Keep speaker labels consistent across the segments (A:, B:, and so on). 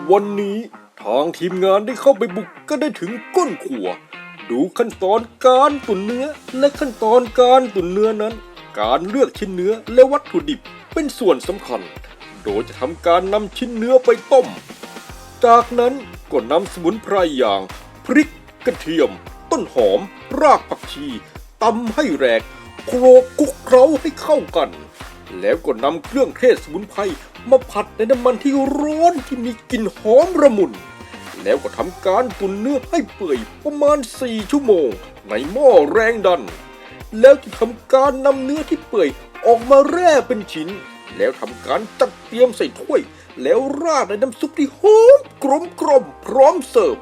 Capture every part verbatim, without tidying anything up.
A: วันนี้ทางทีมงานได้เข้าไปบุกก็ได้ถึงก้นครัวดูขั้นตอนการตุ๋นเนื้อและขั้นตอนการตุ๋นเนื้อนั้นการเลือกชิ้นเนื้อและวัตถุดิบเป็นส่วนสำคัญโดยจะทำการนำชิ้นเนื้อไปต้มจากนั้นก็นำสมุนไพรอย่างพริกกระเทียมต้นหอมรากผักชีตำให้แหลกโขลกคลุกเคล้าให้เข้ากันแล้วก็นำเครื่องเทศสมุนไพรมาผัดในน้ำมันที่ร้อนที่มีกลิ่นหอมระมุนแล้วก็ทำการตุ๋นเนื้อให้เปื่อยประมาณสี่ชั่วโมงในหม้อแรงดันแล้วจะทำการนำเนื้อที่เปื่อยออกมาแร่เป็นชิ้นแล้วทำการจัดเตรียมใส่ถ้วยแล้วราดในน้ำซุปที่หอมกลมกล่อมพร้อมเสิร์ฟ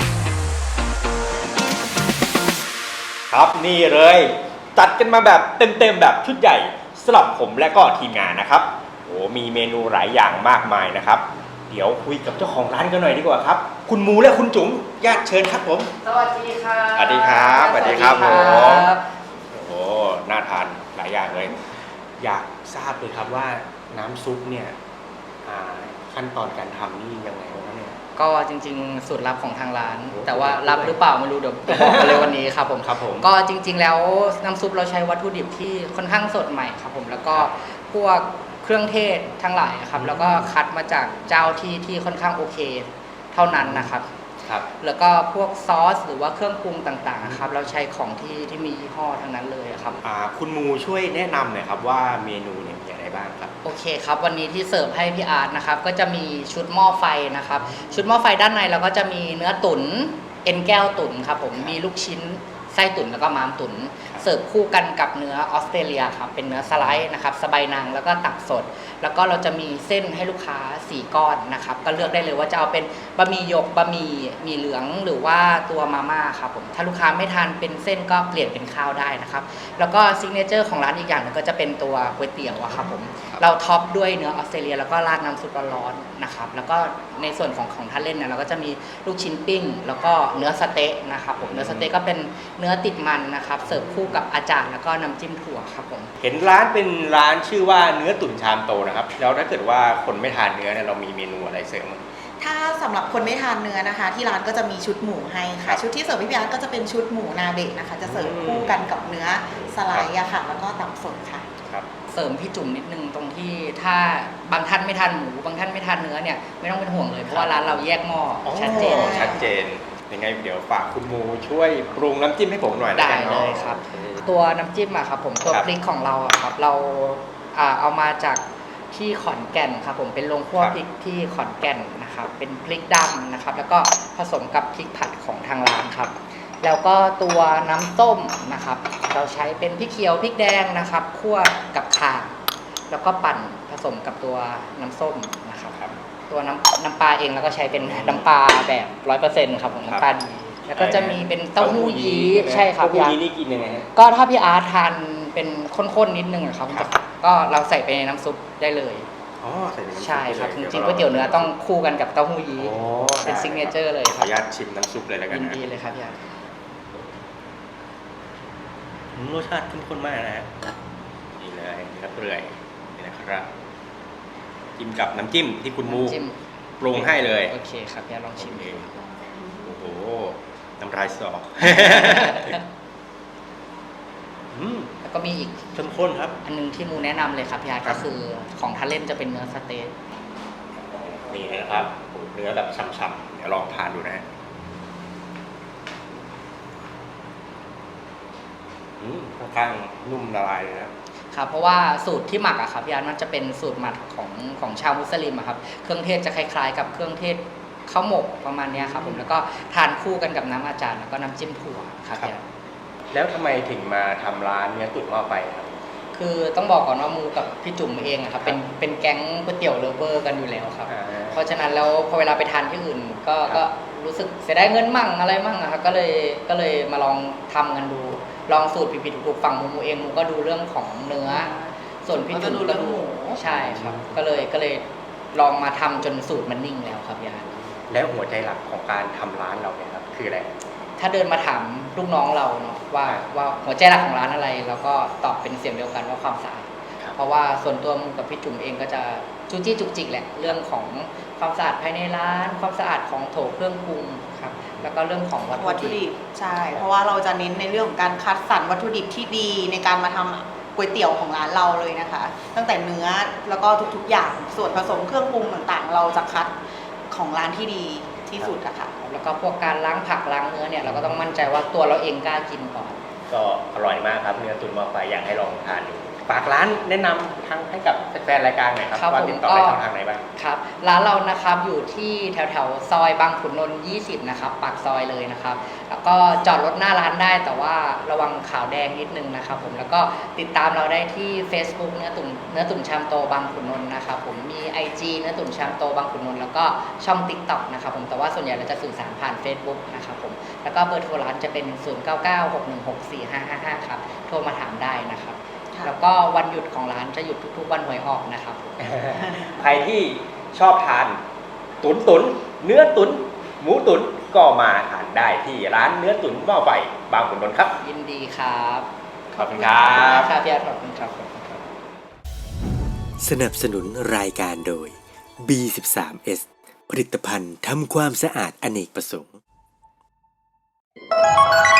B: ครับนี่เลยจัดกันมาแบบเต็มๆแบบชุดใหญ่สำหรับผมและก็ทีมงานนะครับโอ้มีเมนูหลายอย่างมากมายนะครับเดี๋ยวคุยกับเจ้าของร้านกันหน่อยดีกว่าครับคุณหมูและคุณจุ๋มญาติเชิญครับผม
C: สวัสดีครับ
B: สวัสดีครับสวัสดีครับผมโอ้น่าทานหลายอย่างเลยอยากทราบเลยครับว่าน้ำซุปเนี่ยขั้นตอนการทำนี่ยังไงบ้างเนี่ย
C: ก็จริงๆสูตรลับของทางร้านแต่ว่ารับหรือเปล่าไม่รู้เดี๋ยวบอกกันเลยวันนี้ครับผม
B: ครับผม
C: ก็จริงๆแล้วน้ำซุปเราใช้วัตถุดิบที่ค่อนข้างสดใหม่ครับผมแล้วก็พวกเครื่องเทศทั้งหลายครับแล้วก็คัดมาจากเจ้าที่ที่ค่อนข้างโอเคเท่านั้นนะครับ
B: ครับ
C: แล้วก็พวกซอสหรือว่าเครื่องปรุงต่างๆครับเราใช้ของที่ที่มียี่ห้อทั้งนั้นเลยครับ
B: อ่าคุณมูช่วยแนะนำหน่อยครับว่าเมนูเนี่ยมีอะไรบ้างครับ
C: โอเคครับวันนี้ที่เสิร์ฟให้พี่อาร์ตนะครับก็จะมีชุดหม้อไฟนะครับชุดหม้อไฟด้านในเราก็จะมีเนื้อตุ๋นเอ็นแก้วตุ๋นครับผมมีลูกชิ้นไส้ตุ๋นแล้วก็ม้ามตุ๋นเสิร์ฟคู่กันกับเนื้อออสเตรเลียครับเป็นเนื้อสไลด์นะครับสะใบนางแล้วก็ตับสดแล้วก็เราจะมีเส้นให้ลูกค้าสี่ก้อนนะครับก็เลือกได้เลยว่าจะเอาเป็นบะหมี่หยกบะหมี่หมี่เหลืองหรือว่าตัวมาม่าครับผมถ้าลูกค้าไม่ทานเป็นเส้นก็เปลี่ยนเป็นข้าวได้นะครับแล้วก็ซิกเนเจอร์ของร้านอีกอย่างนึงก็จะเป็นตัวก๋วยเตี๋ยวอะครับผมเราท็อปด้วยเนื้อออสเตรเลียแล้วก็ราดน้ำซุปร้อนๆนะครับแล้วก็ในส่วนของของทานเล่นเนี่ยเราก็จะมีลูกชิ้นปิ้งแล้วก็เนื้อสเต๊ะนะครับผมเนื้อสเต๊ะก็เป็นเนื้อติดมันนะครับเสิร์ฟคู่กับอาจารย์แล้วก็น้ำจิ้มถั่วครับผม
B: เห็นร้านเป็นร้านชื่อว่าเนื้อตุ๋นชามโตนะครับแล้วถ้าเกิดว่าคนไม่ทานเนื้อเนี่ยเรามีเมนูอะไรเสริม
D: ถ้าสำหรับคนไม่ทานเนื้อนะคะที่ร้านก็จะมีชุดหมูให้ค่ะชุดที่เสิร์ฟพี่พี่อาร์ตก็จะเป็นชุดหมูนาเบะนะคะจะเสิร์ฟคู่กันกับเนื้อสไลด์อะค่ะแล้วก็ตับสดค่ะ
B: ครับ
C: เสริมพี่จุ๋มนิดนึงตรงที่ถ้าบางท่านไม่ทานหมูบางท่านไม่ทานเนื้อเนี่ยไม่ต้องเป็นห่วงเลยเพราะว่าร้านเราแยกหม้อชัดเจน
B: ชัดเจนยังไงเดี๋ยวฝากคุณมูช่วยปรุงน้ำจิ้มให้ผมหน่อย
C: ได้เลยครับตัวน้ำจิ้มอะครับผมตัวพริกของเราอะครับเราเอามาจากที่ขอนแก่นครับผมเป็นโรงคั่วพริกที่ขอนแก่นนะครับเป็นพริกดำนะครับแล้วก็ผสมกับพริกผัดของทางร้านครับแล้วก็ตัวน้ำต้มนะครับเราใช้เป็นพริกเขียวพริกแดงนะครับคั่วกับข่าแล้วก็ปั่นผสมกับตัวน้ำส้มนะครับตัวน้ำน้ำปลาเองแล้วก็ใช้เป็นน้ำปลาแบบร้อยเปอร์เซ็นต์ครับผมน้ำปลาดีแล้วก็จะมีเป็นเต้าหู้ยี้ใช่ครับ
B: เต้าหู้ยี้นี่กินยังไง
C: ก็ถ้าพี่อาร์ตทานเป็นข้นๆนิดนึงครับก็เราใส่ไปในน้ำซุปได้เลย
B: อ๋อใส่ในน้ำซุป
C: ใช่ครับจริงๆก๋วยเตี๋ยวเนื้อต้องคู่กันกับเต้าหู้ยี้เป็นซิกเนเจอร์เลย
B: ขออนุญาตชิมน้ำซุปเลยแล้วกัน
C: ยินดีเลยครับพี่อาร์ต
B: รสชาติเข้มข้นมากนะฮะนี่เลยเนื้อเปื่อยนี่นะครับจิ้มกับน้ำจิ้มที่คุณมูปรุงให้เลย
C: โอเคครับพี่อาร์ตลองชิม
B: โอ้โหน้ำลายสอ
C: แล้วก็มีอีก
B: เข้มข้นครับ
C: อันนึงที่มูแนะนำเลยครับพี่อาร์ตก็คือของทานเล่นจะเป็นเนื้อสเต๊ก
B: นี่นะครับเนื้อแบบฉ่ำๆเดี๋ยวลองทานดูนะค่อนข้างนุ่มละลายเลยนะครับ
C: เพราะว่าสูตรที่หมักอะครับพี่อาร์ตมันจะเป็นสูตรหมักของของชาวมุสลิมอะครับเครื่องเทศจะคล้ายๆกับเครื่องเทศข้าวหมกประมาณนี้ครับผมแล้วก็ทานคู่กันกับน้ำอาจารย์แล้วก็น้ำจิ้มถั่วครับพี่อาร์ต
B: แล้วทำไมถึงมาทำร้านเนื้อตุ๋นหม้อไฟครับ
C: คือต้องบอกก่อนว่ามูกับพี่จุ๋มเองครับเป็นเป็นแก๊งก๋วยเตี๋ยวเลฟเวอร์กันอยู่แล้วครับเพราะฉะนั้นแล้วพอเวลาไปทานที่อื่นก็ก็รู้สึกเสียดายเงินมั่งอะไรมั่งนะครับก็เลยก็เลยมาลองทำกันดูลองสูตรผิดๆถูกๆฝั่งมูเองมูก็ดูเรื่องของเนื้อส่วนพี่จุ๋มก็ดูใช่ครับก็เลยก็เลยลองมาทำจนสูตรมันนิ่งแล้วครับพี่อาร์ต
B: แล้วหัวใจหลักของการทำร้านเราเนี่ยครับคืออะไร
C: ถ้าเดินมาถามลูกน้องเราเนาะว่าว่าหัวใจหลักของร้านอะไรเราก็ตอบเป็นเสียงเดียวกันว่าความสะอาดเพราะว่าส่วนตัวมูกับพี่จุ๋มเองก็จะจูจี้จุกจิกแหละเรื่องของความสะอาดภายในร้านความสะอาดของโถเครื่องปรุงครับแล้วก็เรื่องของวัต
D: วัต
C: ถุ
D: ถุ
C: ดิ
D: ดิ
C: บบ
D: ใช่ เพราะว่าเราจะเน้นในเรื่องของการคัดสรรวัตถุดิบที่ดีในการมาทำก๋วยเตี๋ยวของร้านเราเลยนะคะ ตั้งแต่เนื้อแล้วก็ทุกๆอย่างส่วนผสมเครื่องปรุงต่างๆ เราจะคัดของร้านที่ดีที่สุดอะค่ะ
C: แล้วก็พวกการล้างผักล้างเนื้อเนี่ยเราก็ต้องมั่นใจว่าตัวเราเองกล้ากินก่อน
B: ก็อร่อยมากครับเนื้อตุ๋นหม้อไฟอยากให้ลองทานดูฝากร้านแนะนำทางให้กับแฟนๆรายการหน่อยครับ
C: ครับ
B: ว่า
C: ผม
B: ติดต่อ
C: ก็
B: ได้ช่องทางไหนบ้าง
C: ครับร้านเรานะครับอยู่ที่แถวแถวๆซอยบางขุนนนท์ยี่สิบนะครับปากซอยเลยนะครับแล้วก็จอดรถหน้าร้านได้แต่ว่าระวังขาวแดงนิดนึงนะครับผมแล้วก็ติดตามเราได้ที่ Facebook เนื้อตุ๋นเนื้อตุ๋นชามโตบางขุนนนท์นะครับผมมี ไอ จี เนื้อตุ๋นชามโตบางขุนนนท์แล้วก็ช่อง TikTok นะครับผมแต่ว่าส่วนใหญ่เราจะสื่อสารผ่าน Facebook นะครับผมแล้วก็เบอร์โทรร้านจะเป็น ศูนย์ เก้า เก้า หก หนึ่ง หก สี่ ห้า ห้า ห้า ครับโทรมาถามได้นะครับ
D: ค่ะ
C: แล้วก็วันหยุดของร้านจะหยุดทุกๆวันหวยออกนะครับ
B: ใครที่ชอบทานตุนตุนเนื้อตุนหมูตุนก็มาทานได้ที่ร้านเนื้อตุนหม้อไฟบางขุนนนท์ครับ
C: ยินดีครับ
B: ขอบคุณครับ
C: ครับพี่อาร์ตขอบคุณครับขอบคุณครับ
E: สนับสนุนรายการโดย บี สิบสาม เอส ผลิตภัณฑ์ทำความสะอาดอเนกประสงค์